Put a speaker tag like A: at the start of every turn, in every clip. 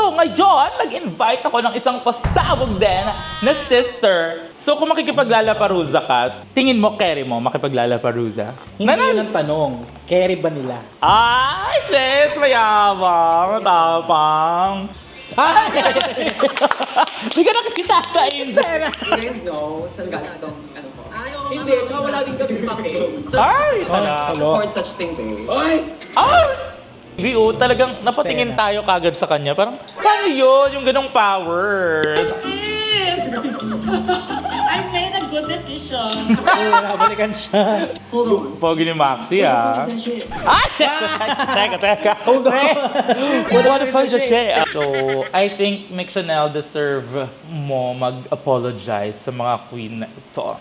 A: So ngayon, nag-invite ako ng isang pasabog din na sister. So kung makikipaglalaparuza ka, tingin mo, carry mo, makipaglalaparuza?
B: Hindi yun ang tanong. Carry ba nila?
A: Ay, sis, mayabang, matapang. Ay! Hindi ka nakikita sa inyo.
C: You guys know, saan galing itong ano ko? Hindi, tsaka wala din kami pake.
A: Ay, talaga.
C: For such thing, eh.
A: Ay! BO, talagang napatingin tayo kagad sa kanya. Parang, paano yun? Yung ganong power.
D: I made a good decision.
B: Oo, nabalikan siya.
C: Hold on.
A: Pogi ni Maxi, ah. Ah, check! Teka.
B: Hold on.
A: What the fuck is shit? So, I think Mick Chanel deserve mo mag-apologize sa mga queen na ito.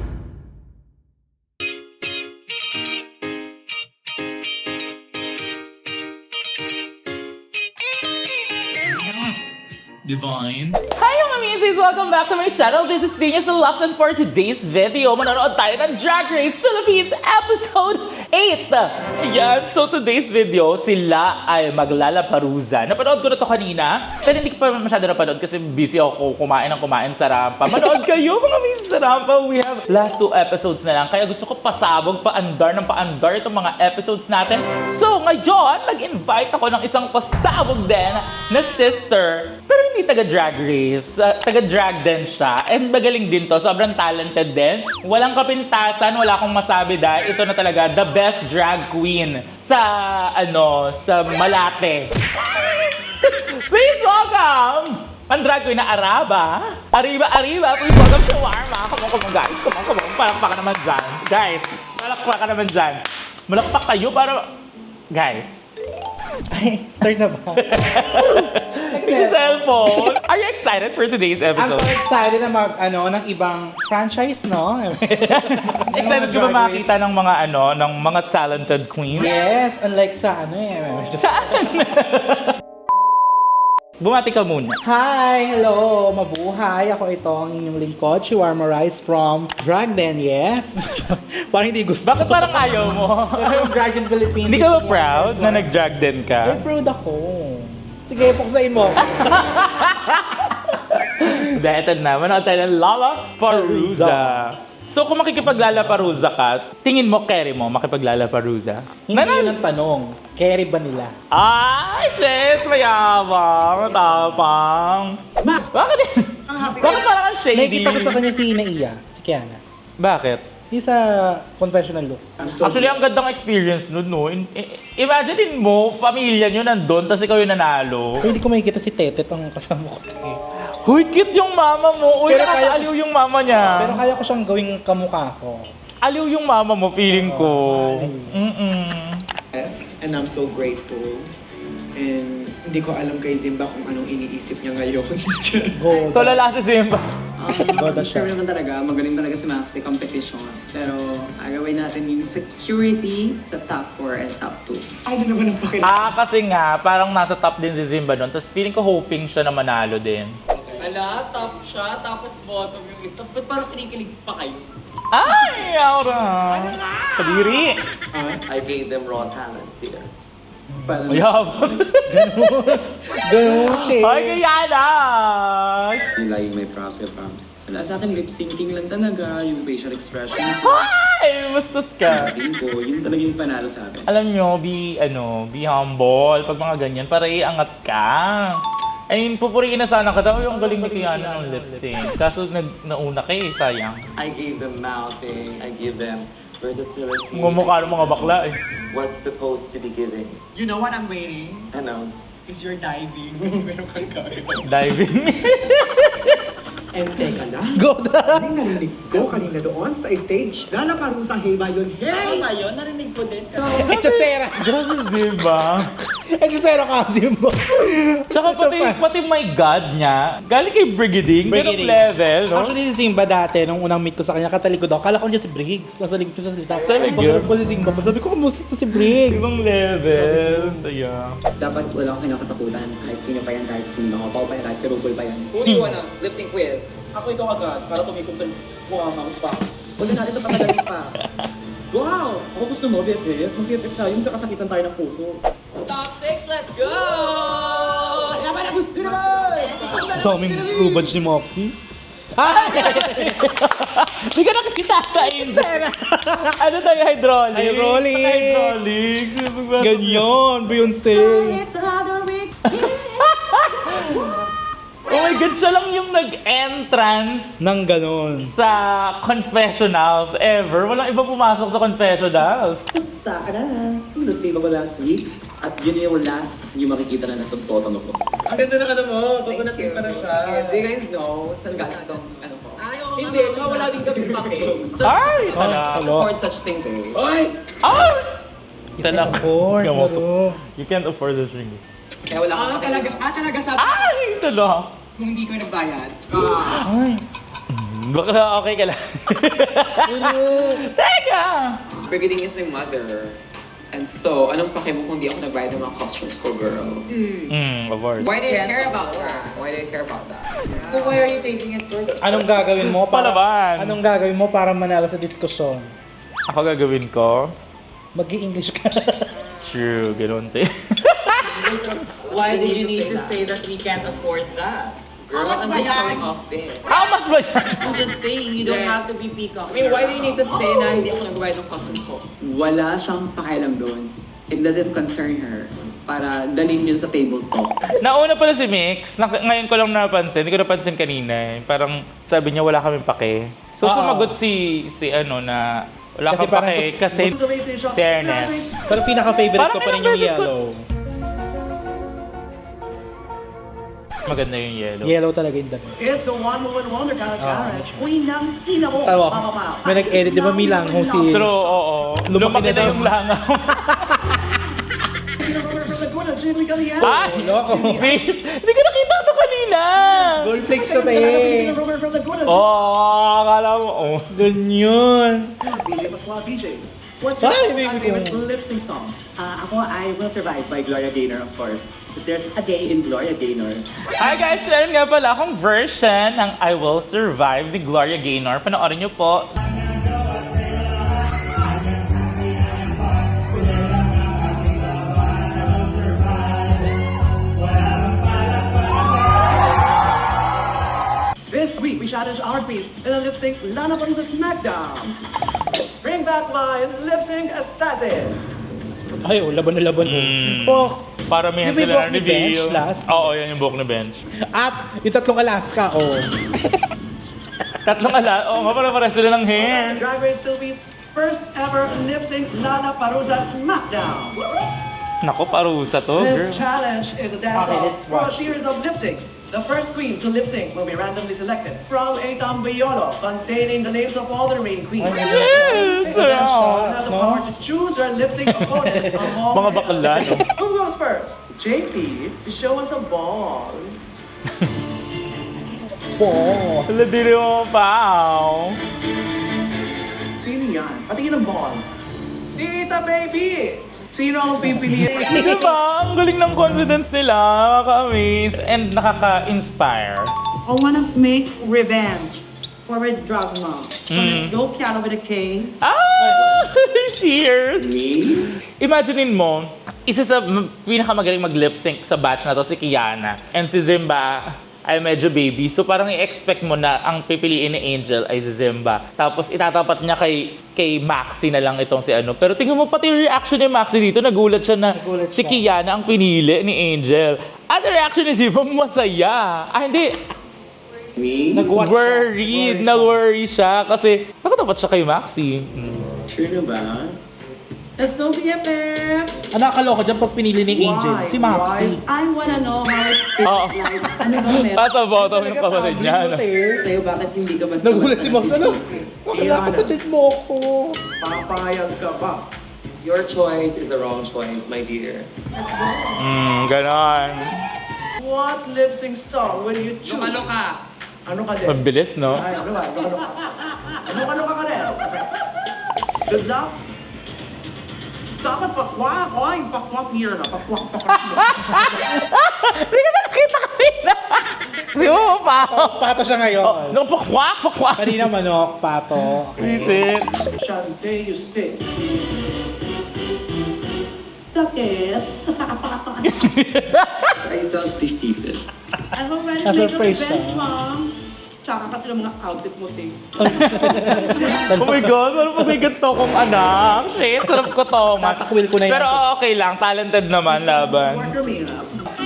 A: Divine. Hi mga misis! Welcome back to my channel. This is Venus Deluxe and for today's video, manonood tayo ng Drag Race Philippines Episode 8! Ayan, so today's video, sila ay maglalaparuza. Napanood ko na to kanina, pero hindi ko pa masyado napanood kasi busy ako kumain sa rampa. Manood kayo mga misis sa rampa. We have last 2 episodes na lang, kaya gusto ko pasabog, paandar itong mga episodes natin. So ngayon, nag-invite ako ng isang pasabog din na sister, pero hindi taga-drag race. Taga-drag din siya. And magaling din to. Sobrang talented din. Walang kapintasan. Wala akong masabi dahil ito na talaga the best drag queen sa Malate. Please welcome! Ang drag queen na Araba. Arriba. Please welcome Shawarma. Come on, guys. Come on. Palakpakan naman dyan. Guys, palakpakan naman dyan. Malakpak kayo para... Guys.
B: Ay, start na ba?
A: Yung cellphone. Are you excited for today's
B: I'm
A: episode?
B: so excited na ng ibang franchise, no?
A: Excited ka ba makita ng mga talented queens?
B: Yes, unlike sa
A: Saan? Bumati ka muna.
B: Hi! Hello! Mabuhay! Ako itong inyong lingkod, Shawarma Rice from Drag Den, yes? Parang hindi gusto.
A: Bakit parang ayaw mo?
B: From Drag Den Philippines.
A: Hindi ka ba proud na nag-drag din
B: Ay,
A: ka?
B: proud ako. Sige, puksain mo.
A: Dahil na, manood tayo ng Lalaparuza. So kung makikipaglalaparuza ka, tingin mo, carry mo, makipaglalaparuza?
B: Hindi yun ang tanong. Carry ba nila?
A: Ay, sis, mayabang, matapang. Bakit? Bakit parang ang shady?
B: Nakikita ko sa kanya si Naiya, si Kiana.
A: Bakit?
B: Yung sa confessional look.
A: Actually, ang gandang experience nun, no? Imagine mo, pamilya nyo nandun, tapos ikaw yung nanalo.
B: Pero hindi ko makikita si Tete tong kasama ko.
A: Huy, cute yung mama mo. Uy,
B: Pero kaya-
A: nakakaaliw yung mama niya.
B: Pero kaya ko siyang gawing kamukha ko.
A: Aliw yung mama mo, feeling ko.
E: And I'm so grateful. And hindi ko alam kay Zimba kung anong iniisip niya ngayon.
B: Go.
A: So, lala si Simba.
B: Goda siya.
C: Sure naman talaga, magaling talaga si Maxi competition. Pero agawin natin yung security sa top 4 and top 2.
E: Ano naman ang pakita?
A: Kasi nga, parang nasa top din si Simba doon. Tapos feeling ko hoping siya na manalo din.
D: Ala, top siya, tapos bottom yung isa. Ba't parang kinikilig pa kayo?
A: Ay, aura. Kadiri.
F: I gave them raw talent here.
A: Mayabang.
B: Ganun siya.
A: Ay, kaya na.
F: Nila yung may process prompts. Wala sa akin, lip syncing lang talaga, yung facial expression.
A: Ay, bastos ka.
F: Sabihin ko, yun talaga yung panalo sa akin.
A: Alam nyo, be humble. Pag mga ganyan, para iangat ka. I mean, pupuriin na sana ka. Tapos yung galing ni Kiana ng lip sync. Kaso nauna ka eh, sayang.
F: I gave them mouthing, I give them versatility.
A: Mga mukha ng mga bakla eh.
F: What's supposed to be giving?
E: You know what I'm waiting?
F: Ano?
E: Is your diving. Kasi meron kang gawin.
A: Diving.
E: And teka lang.
B: Goda.
E: Yung narinig ko kanina doon sa stage. Lalaparusa, hey ba yun?
D: Ano
E: Hey!
D: ba yun? Narinig ko din.
B: Echosera.
A: Grabe, diba?
B: Echosera ka, Zimbo.
A: Tsaka pati my God niya, galing kay Brigading, ganong
B: Brigading.
A: level, no?
B: Actually, si Simba dati, nung unang meet ko sa kanya, katalikod ako. Kala ko niya si Briggs. Nasa likod ko sa salita.
A: Talaga?
B: Pagkakas po si Simba. Sabi ko, kumusta to si Briggs?
A: Ibang level. Saya.
C: Dapat wala akong kinakatakutan. Kahit sino pa yan, kahit sino ako. Pao pa yan, kahit si RuPaul pa yan. Who do you wanna lip sync with?
D: Ako ikaw agad, para tumikom ka mukha pa. Huwag na natin ito patagalin pa. Wow! Ako gusto mo, BFF. Mag-BFF tayo, magkakasakitan tayo ng puso. Top 6, let's go!
E: Kaya ba na gusto na
B: Daming rubans ni Moxie. Ay!
A: Hindi ka nakikita sa Angel. Ano tayo, hydraulic?
B: Hydraulic. Ganyan, Beyonce.
A: Oh my God, siya lang yung nag-entrance
B: Nang ganon.
A: sa confessionals ever. Walang iba pumasok sa confessionals.
D: Sa akin na. Na-save ako last week. At yun yung last yung makikita na nasa bottom ko. Ang ganda ng ano mo. Coconut pink pa na siya.
C: Do you guys know saan galing itong ano ko? Hindi, tsaka wala din kami pake.
A: Ay!
C: For such thing eh.
D: Oy!
A: Ay! Ito lang.
B: afford,
A: Ikaw,
B: laro.
A: You can't afford this ring.
C: Kaya wala akong pake.
G: Talaga sabi
A: Ay! Ito lang.
G: kung hindi ko nagbayad.
A: Baka okay ka lang. Teka!
C: Brigading is my mother. And so, anong pake mo kung di ako nagbayad ng mga costumes ko, girl?
A: Of course.
C: Why do you care about that? Why do you care about that?
G: So why are you taking it first?
B: Anong gagawin mo para
A: Palaban.
B: Anong gagawin mo para manalo sa diskusyon?
A: Ako gagawin ko.
B: Mag-i-English ka.
A: True, ganun te.
G: Why did you need to say that we can't afford that?
C: Girl, I'm just showing off this.
A: How much ba yan?
G: I'm just saying, you don't have to be peacock.
C: I mean, why do you need to say na hindi ako nagbayad ng costume ko? Wala siyang pakialam doon. It doesn't concern her. Para dalhin yun sa table talk.
A: Nauna pala si Mix. Ngayon ko lang napansin. Hindi ko napansin kanina. Parang sabi niya wala kaming pake. So
B: Oo.
A: sumagot si ano na wala
B: Kasi
A: kang
B: parang
A: pake kasi fairness.
B: Pero pinaka-favorite
A: Parang
B: ko pa rin
A: ilang
B: yung
A: beses ko-
B: yellow.
A: Maganda yung yellow.
B: Yellow talaga yung damit.
H: It's a one-woman wonder kind of carriage. Queen ng ina mo.
B: Tawa.
H: Mapapao.
B: May nag-edit, di ba Milang kung si...
A: True, oo.
B: Lumaki
A: Lumaki
B: na
A: na
B: daw.
A: yung langaw. Ay!
B: Loko.
A: Mix! Hindi ko nakita ito kanina!
B: Gold flakes siya, te.
A: Oh, akala mo. Oh.
B: Ganyan.
H: DJ Pascual DJs. What's
B: Ay,
H: your
B: baby ko.
H: favorite lip sync song?
D: Ako, I Will Survive by Gloria Gaynor, of course. Because there's a day in Gloria Gaynor.
A: Hi guys! Meron nga pala akong version ng I Will Survive ni Gloria Gaynor. Panoorin niyo po.
H: This week, we challenge our queens in a lip sync Lana Parusa SmackDown. Bring back my lip sync assassins.
B: Ay, oh, laban na laban.
A: Mm.
B: Oh.
A: Para may
B: Yung may
A: sila
B: buhok ni Bench
A: reveal.
B: last?
A: Oo, yan yung buhok ni Bench.
B: At yung tatlong Alaska, oh.
A: Tatlong oo nga pala sila ng hair.
H: The Drag Race Philippines first ever lip sync Lana Parusa SmackDown.
A: Nako, parusa to,
H: This
A: girl.
H: challenge is a dance
B: Okay,
H: off
B: let's
H: for a
B: watch.
H: series of lip syncs. The first queen to lip sync will be randomly selected from a tambayolo containing the names of all the remaining queens.
A: Yes!
H: Will then
B: wow.
H: have the
B: No?
H: power to choose her lip sync opponent among
A: Mga bakla, no?
H: Who goes first? JP, show us a ball.
B: Po.
A: Wala din mo pa.
H: Sino yan? Patingin ng ball. Tita baby! Sino ang pipiliin?
A: Diba? Ang galing ng confidence nila. Nakaka-amaze and nakaka-inspire.
G: I wanna make revenge for a drug mom. So let's go Kiana with a K.
A: Ah! Cheers!
D: Me?
A: Imaginein mo, isa sa pinakamagaling mag-lip sync sa batch na to si Kiana. And si Zimba ay medyo baby. So parang i-expect mo na ang pipiliin ni Angel ay si Zimba. Tapos itatapat niya kay Maxi na lang itong si ano. Pero tingnan mo pati yung reaction ni Maxi dito. Nagulat siya na
B: Nagulat
A: si
B: siya.
A: Kiana ang pinili ni Angel. At the reaction ni Zimba, masaya. Ah, hindi.
D: Me?
B: Nag-watch
A: Worried. Nag-worry siya. Kasi nakatapat siya kay Maxi.
D: Sure na ba?
G: Let's go BFF!
B: Ano nakakaloka dyan pag pinili ni Angel? Si Maxi.
G: I wanna know how it feels
A: Oo.
G: like. Ano ba meron
A: Pasa bottom yung kapatid niya. no?
G: sa'yo? Bakit hindi ka mas
B: Nagulat si Max. Ano? Bakit kapatid mo ako?
H: Papayag ka ba?
D: Your choice is the wrong choice, my dear.
A: Ganon.
H: What lip sync song will you choose? Ano ka? Ano ka din?
A: Mabilis, no?
H: Ay, ano ba? Ano ka rin? Good luck. Dapat pakwak. Ay, pakwak niya na. Pakwak mo.
A: Hindi ka na nakita kanina. Si Mo pa.
B: Pato siya ngayon.
A: Nung pakwak.
B: Kanina manok, pato.
A: Sisit.
H: Shante, you stay.
G: Sakit.
D: I felt defeated.
G: I hope when you make a
B: Na-surprise
G: revenge,
B: siya.
G: Mom. Tsaka kasi ng mga outfit mo, Ting.
A: Oh my God, ano pag may ganito kong anak? Shit, sarap ko to.
B: Tatakwil ko na yan.
A: Pero okay lang, talented naman laban.
H: Order me up.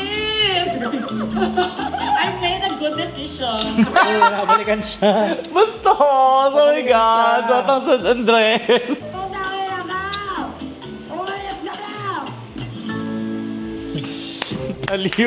G: I made a good decision.
B: Oo, nakabalikan siya.
A: Bastos! Oh my God!
B: siya.
A: Batang San Andres!
G: Oh, dahil na! Umayos na na!
A: Aliw.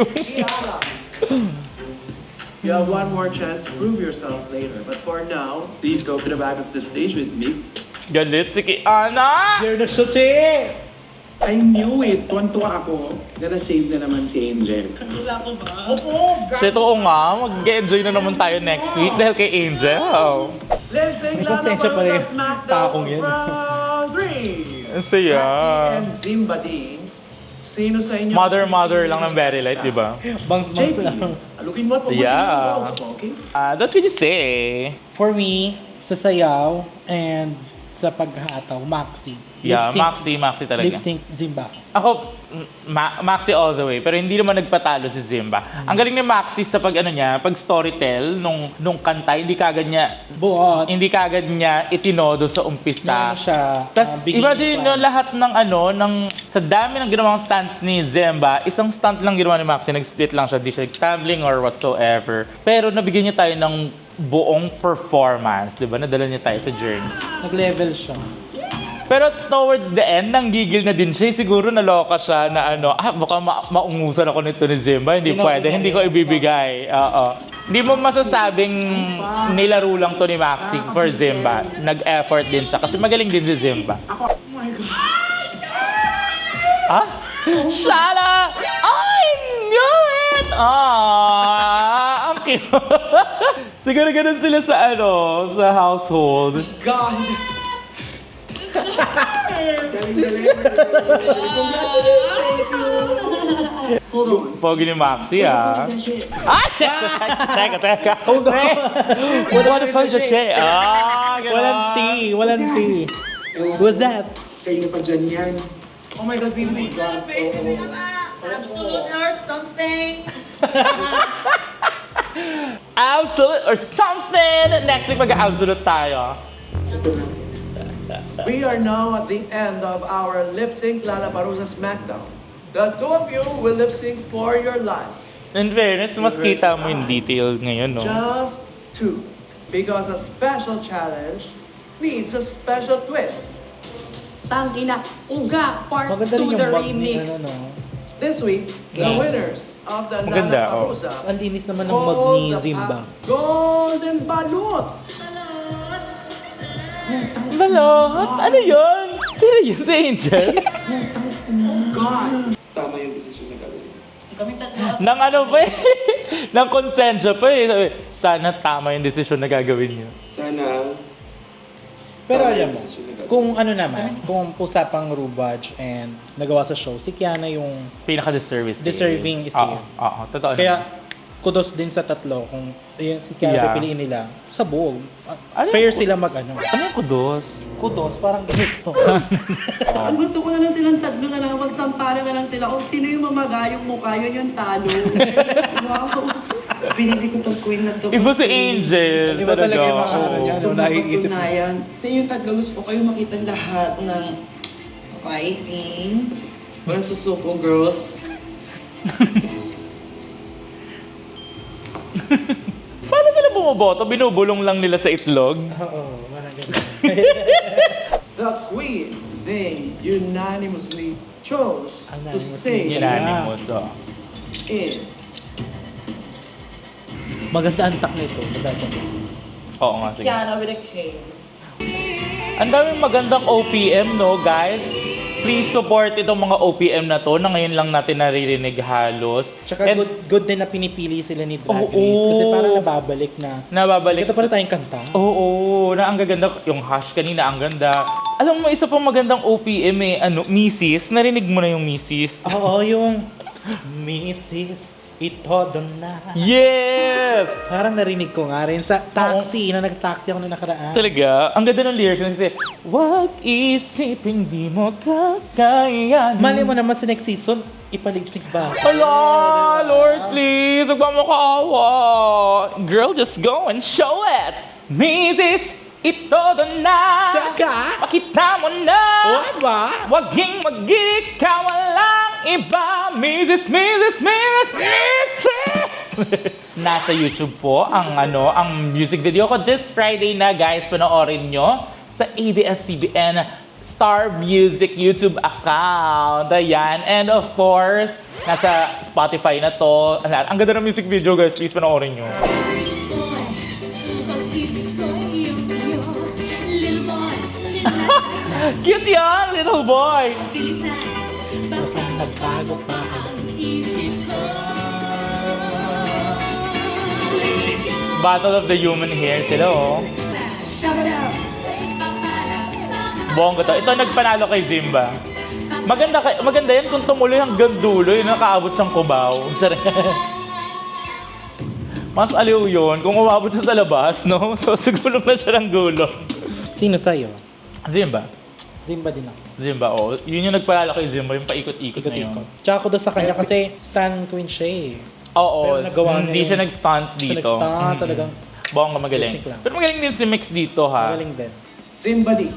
H: You have one more chance to prove yourself later. But for now, please go to the back of the stage with Mix.
A: Galit si Kiana!
B: Here na siya, Che!
F: I knew it. Tuwan-tuwa ako. Nara-save na naman si Angel.
G: Wala ko ba?
A: Shit, oo nga. Mag-enjoy na naman tayo next week dahil kay Angel.
H: Lip Sync Lala
B: Pasensya pala
H: Parusa
B: yung
H: SmackDown
B: takong yan.
H: round 3.
A: Ang saya.
H: Maxi and Zimba Dean. Sino sa inyo?
A: Mother lang ng Very Light, di ba?
B: Bangs-bangs
H: JP,
B: lang.
H: alukin mo at pabuti
A: Yeah.
H: mo ang balls mo, okay?
A: What can you say?
B: For me, sa sayaw and sa paghataw, Maxi.
A: Yeah,
B: Lip-sync-
A: Maxi talaga.
B: Lip sync Zimba.
A: Ako, Maxi all the way. Pero hindi naman nagpatalo si Zimba. Ang galing ni Maxi sa pag storytell nung kanta, hindi kagad niya itinodo sa umpisa.
B: Ano siya,
A: Tapos
B: beginning
A: iba din
B: plan.
A: yung lahat ng sa dami ng ginawang stunts ni Zemba, isang stunt lang ginawa ni Maxi, nag-split lang siya, di siya tumbling or whatsoever. Pero nabigyan niya tayo ng buong performance, di ba? Nadala niya tayo sa journey.
B: Nag-level siya.
A: Pero towards the end, nanggigil na din siya. Siguro naloka siya na baka maungusan ako nito ni Zemba. Hindi pwede, hindi ko ibibigay. Oo. Hindi mo masasabing nilaro lang to ni Maxi for Zemba. Nag-effort din siya kasi magaling din si Zemba.
H: Oh my God.
A: Ah? Shala! I knew it! Ang cute. Siguro ganun sila sa sa household.
H: God.
G: Hold on.
A: Pogi ni Maxi, ah. Ah, shit! Teka.
B: Hold on.
A: What the fuck is shit? Ah, ganun.
B: Walang tea. Who's that?
E: Kayo pa dyan yan.
H: Oh my God, baby.
G: Absolute or something.
A: Absolute or something! Next week mag-absolute tayo.
H: We are now at the end of our Lip Sync Lala Parusa SmackDown. The two of you will lip sync for your life.
A: In fairness, mas kita mo yung detail ngayon, no?
H: Just two. Because a special challenge needs a special twist.
G: Tangina, Uga, part 2,
B: Maganda rin yung
G: the
B: bag ni
G: remix.
H: This week, the
A: Yeah.
H: winners of the
A: Maganda,
H: Lala
A: oh.
H: Parusa
B: Ang linis naman ng mag ni Zimba.
H: Golden Balut!
A: Balot! Ano yun? Sino yun? Si Angel?
H: God!
E: Tama yung desisyon na gagawin.
G: Kami tatlo.
A: Nang ano pa eh? Nang konsensya pa eh. Sabi, sana tama yung desisyon na gagawin niyo.
E: Sana,
B: Pero
E: tama
B: alam
E: yung
B: mo,
E: desisyon na gagawin.
B: kung ano naman, kung usapang Rubaj and nagawa sa show, si Kiana yung
A: Pinaka-deserving.
B: Deserving is
A: Oo,
B: yun.
A: oo. Totoo
B: kaya
A: naman.
B: kudos din sa tatlo kung yun, si Kiana
A: Yeah.
B: pipiliin nila sa buog.
A: Ano
B: Fair
A: yung-
B: sila mag-ano.
A: Ano yung kudos?
B: Kudos, parang ganito.
G: Ang gusto ko na lang silang tatlo na lang, magsampara na lang sila. Kung sino yung mamagayong mukha, yun yung talo. Wow. Pinili ko tong queen na to.
A: Iba si Angel.
B: Iba talaga yung mga
A: Oo.
B: ano niya, no, naiisip.
G: Napatunayan. Sa inyong tatlo, gusto ko kayo makita lahat ng fighting. Walang susuko, girls.
A: Paano sila bumoboto? Binubulong lang nila sa itlog?
B: Oo, parang ganito.
H: The queen they unanimously chose to
B: Unanimously.
H: sing
A: Unanimous, oh.
H: in.
B: Maganda ang tak nito. Maganda.
A: Oo nga, sige.
G: Kiana with a K.
A: Ang daming magandang OPM, no, guys? Please support itong mga OPM na to na ngayon lang natin naririnig halos.
B: Tsaka
A: And
B: good din na pinipili sila ni Drag
A: Oo.
B: Race kasi parang nababalik na.
A: nababalik.
B: Ito pala tayong kanta.
A: Oo, na ang gaganda. Yung hash kanina, ang ganda. Alam mo, isa pang magandang OPM eh, Mrs. Narinig mo na yung Mrs.
B: Oo, yung Mrs. Ito, doon na.
A: Yes!
B: Parang narinig ko nga rin sa taxi, na nag-taxi ako na nakaraan.
A: Talaga, ang ganda ng lyrics kasi, wag isipin di mo kakayanin.
B: Mali mo naman sa next season, ipalipsik ba?
A: Hala, Lord, please, huwag mo makaawa. Girl, just go and show it. Mrs. Ito doon na.
B: Gaga?
A: Pakita mo na.
B: What ba?
A: Waging mag-ikaw, walang iba. Mrs. Nasa YouTube po ang music video ko this Friday na, guys. Panoorin nyo sa ABS-CBN Star Music YouTube account. Ayan. And of course, nasa Spotify na to. Ang ganda ng music video, guys. Please panoorin nyo. Cute yan, little boy.
B: Nagbago pa ang
A: Battle of the Human Hair sila, oh. Bongga to. Ito nagpanalo kay Zimba. Maganda yan kung tumuloy hanggang dulo, yun nakaabot siyang kubaw. Mas aliw yun kung umabot siya sa labas, no? So siguro na siya ng gulo.
B: Sino sa'yo?
A: Zimba.
B: Zimba din ako.
A: Zimba, oh. Yun yung nagpanalo kay Zimba, yung paikot-ikot na yun.
B: Ikot-ikot. Tsaka ako doon sa kanya kasi stan queen siya eh.
A: Oo,
B: Pero nagawa niya
A: hindi
B: yun.
A: siya nag-stunts dito.
B: Siya nag-stunt,
A: Mhm.
B: talagang
A: Bongga, magaling.
B: lip sync lang.
A: Pero magaling din si Mix dito, ha?
B: magaling din.
H: Somebody.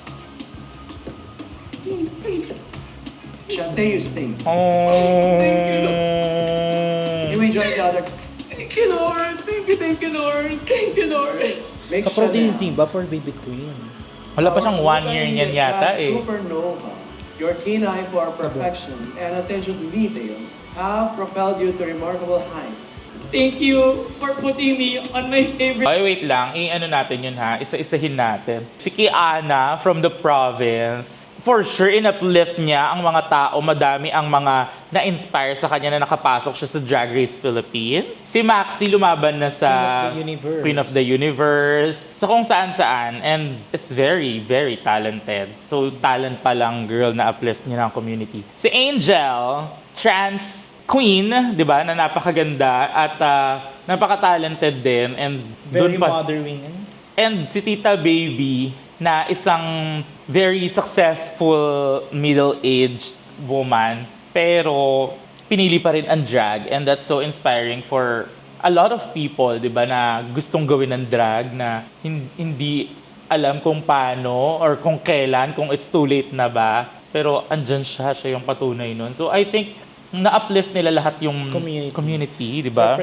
H: Shante, you stay.
A: Oh.
H: You enjoy each other.
C: Thank you, Lord. Thank you, Lord. Thank you, Lord.
H: Make
B: Kapro
H: sure
B: din
H: na
B: Zimba for Baby Queen.
A: Wala pa siyang 1 year niyan yata, eh.
H: Supernova, your keen eye for perfection and attention to detail have propelled you to remarkable height.
C: Thank you for putting me on my favorite.
A: Ay, wait lang. I-ano natin yun, ha? Isa-isahin natin. Si Kiana from the province, for sure, in-uplift niya ang mga tao. Madami ang mga na-inspire sa kanya na nakapasok siya sa Drag Race Philippines. Si Maxi lumaban na sa Queen of the Universe. Sa kung saan-saan. And is very, very talented. So, talent pa lang girl na uplift niya ng community. Si Angel, trans queen, di ba, na napakaganda at napaka-talented din. And
B: Very
A: dun pa,
B: mothering.
A: and si Tita Baby, na isang very successful middle-aged woman, pero pinili pa rin ang drag, and that's so inspiring for a lot of people, di ba, na gustong gawin ng drag na hindi alam kung paano or kung kailan, kung it's too late na ba, pero andyan siya yung patunay nun. So I think na-uplift nila lahat yung community, di ba?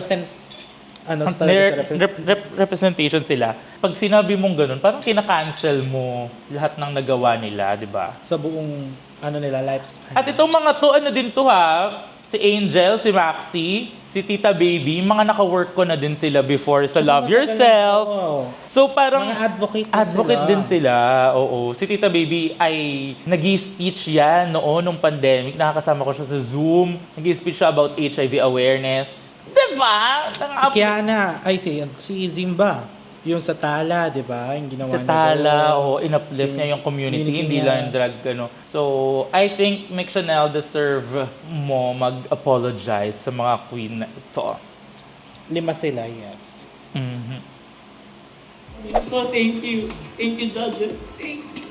A: Representation sila. Pag sinabi mong ganun, parang kina-cancel mo lahat ng nagawa nila, di ba?
B: Sa buong nila lifespan.
A: At itong mga to, ano din to, ha? Si Angel, si Maxi, si Tita Baby, mga naka-work ko na din sila before sa Love Yourself. So parang
B: Mga advocate
A: din sila. Oo. Si Tita Baby ay nag-i-speech yan noon nung pandemic. Nakakasama ko siya sa Zoom. Nag-i-speech siya about HIV awareness. Diba?
B: Si Kiana, si Zimba, yung sa Tala, di ba? Yung ginawa
A: Sa
B: niya
A: Tala,
B: doon.
A: in-uplift niya yung community,
B: Community
A: hindi
B: niya.
A: lang yung drag, So, I think Mick Chanel deserve mo mag-apologize sa mga queen na ito.
B: 5 sila, yes.
A: Mhm.
C: So thank you. Thank you, judges. Thank you.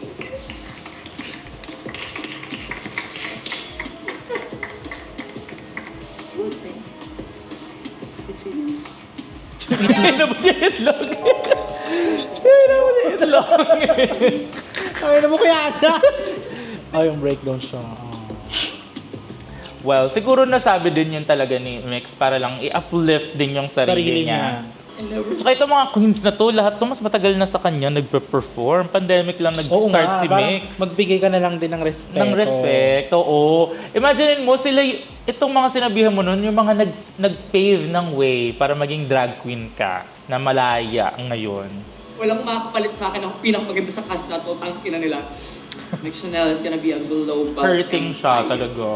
A: Inabot yung itlog. Inabot yung itlog.
B: Ay, mo kaya na! Yung breakdown siya.
A: Well, siguro nasabi din yun talaga ni Mix para lang i-uplift din yung sarili niya. Tsaka itong mga queens na to, lahat to mas matagal na sa kanya nagpe-perform. Pandemic lang nag-start si Mix.
B: Magbigay ka na lang din ng respeto.
A: Ng respect, oo. Imagine mo sila, itong mga sinabihan mo nun, yung mga nag-pave ng way para maging drag queen ka na malaya ngayon.
C: Walang makakapalit sa akin. Ako pinakamaganda sa cast na to. Ang ina nila. Mick Chanel is gonna be a global
A: Hurting siya
C: empire.
A: talaga.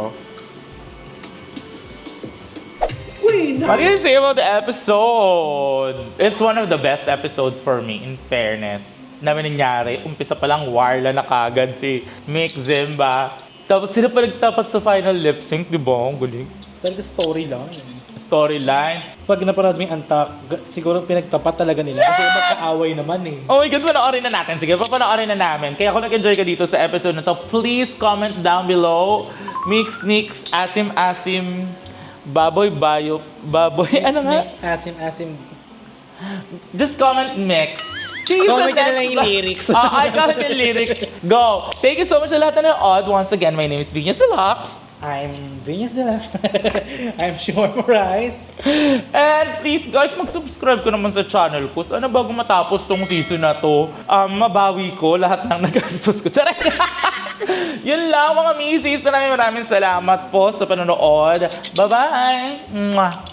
C: Queen!
A: What do you say about the episode? It's one of the best episodes for me, in fairness. Namin nangyari, umpisa pa lang warla na kagad si Mick Zimba. Tapos sila pa nagtapat sa final lip sync, di ba? Ang galing.
B: Talaga story lang.
A: storyline.
B: Pag napanood mo yung Antak, siguro pinagtapat talaga nila kasi magkaaway naman eh.
A: Oh my God, panoorin na natin. Sige, papanoorin na namin. Kaya kung nag-enjoy ka dito sa episode na to, please comment down below. Mix, Nix, Asim, Asim, Baboy, Bayo, Baboy, ano nga?
B: Mix, asim.
A: Just comment Mix. See you
B: Comment
A: sa
B: ka na lang
A: next
B: yung lyrics.
A: I comment yung lyrics. Go! Thank you so much sa lahat na nanood. Once again, my name is Venus Deluxe.
B: I'm Venus de la I'm Shawarma Rice.
A: And please guys, mag-subscribe ko naman sa channel ko. Sana bago matapos tong season na to, mabawi ko lahat ng nagastos ko. Charay! Yun lang mga misis. Maraming salamat po sa panonood. Bye-bye! Mwah!